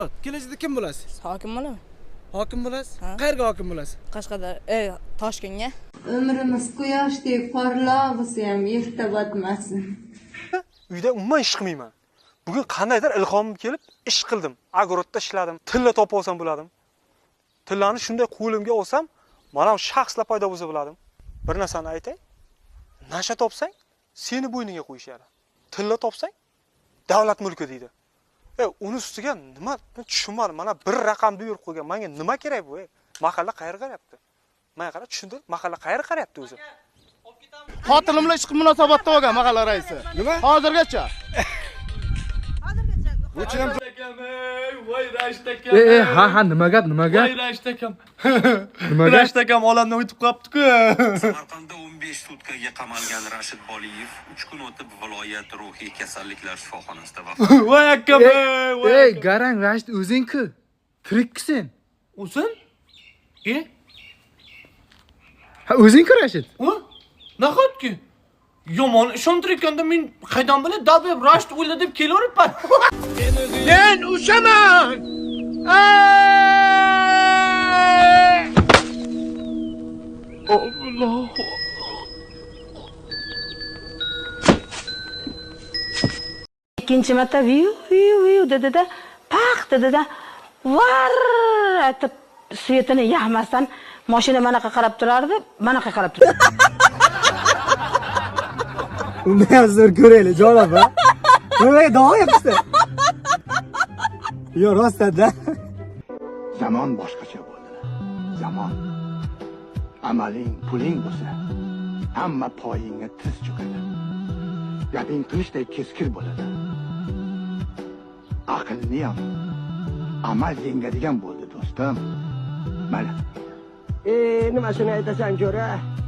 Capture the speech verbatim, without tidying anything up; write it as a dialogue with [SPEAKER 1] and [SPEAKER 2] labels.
[SPEAKER 1] Kelajakda kim bo'lasiz?
[SPEAKER 2] Hokim bo'laman.
[SPEAKER 1] Hokim bo'lasiz? Qayerga hokim bo'lasiz?
[SPEAKER 2] Qashqadar, ey, Toshkentga.
[SPEAKER 3] Ömrimiz quyoshdek porloq bo'lsa ham yerda botmasin.
[SPEAKER 4] Uyda umuman ish qilmayman. Bugun qandaydir ilhomim kelib ish qildim. Agrorodda ishladim. Tilla topib olsam bo'ladim. Tillani shunday qo'limga olsam, mana shu shaxslar paydo bo'lsa bo'ladim. Bir narsani aytay. Nasha topsang, seni bo'yniga qo'yishadi. Tilla topsang, davlat mulki deydi. E, uni ustiga nima tushunmadim. Mana bir raqamni berib qo'ygan. Menga nima kerak bu? Mahalla qayerga qarayapti? Men qarab tushundim. Mahalla qayerga qarayapti o'zi?
[SPEAKER 5] Xotinim bilan ishqi munosabatda bo'lgan mahalla raisi.
[SPEAKER 1] Nima?
[SPEAKER 5] Hozirgacha.
[SPEAKER 1] Bu chinam
[SPEAKER 6] voy Rashid akam.
[SPEAKER 7] E, ha ha nima gap, nima gap?
[SPEAKER 6] Voy Rashid akam.
[SPEAKER 7] Nima gap?
[SPEAKER 6] Rashid akam olamdan o'tib qolibdi-ku.
[SPEAKER 8] Samarqandda o'n besh sutkaga qamalgan Rashid Boliyev uch kun o'tib viloyat ruhiy kasalliklar shifoxonasida vafot etdi.
[SPEAKER 6] Voy akam, voy.
[SPEAKER 7] Ey, garang Rashid o'zing-ku. Tirikki sen.
[SPEAKER 6] O'sin? E?
[SPEAKER 7] Ha, o'zing-ku Rashid.
[SPEAKER 6] O? Nahotki? Yomon ishontirganda men qaydan bilay, dabeb Rashid o'ldi deb kelaveribman.
[SPEAKER 5] Men o'shaman. Alloh.
[SPEAKER 2] Ikkinchi marta viu viu viu dedi-da, paq dedi-da, var aytib svetini yaxmasdan mashina manaqa qarab turardi, manaqa qarab turardi.
[SPEAKER 1] uni ham zo'r ko'raylik, janob ha. Nimaga davom etdi? Yo, rostda.
[SPEAKER 5] Zamon boshqacha bo'ldi. Zamon. Amaling, puling bo'lsa, hamma poyingga tiz cho'kadi. Gaping qilishday keskir bo'ladi. Aqlni ham amal yengadigan bo'ldi, do'stim. Mana.
[SPEAKER 9] E, nimasini aytasan, jo'ra?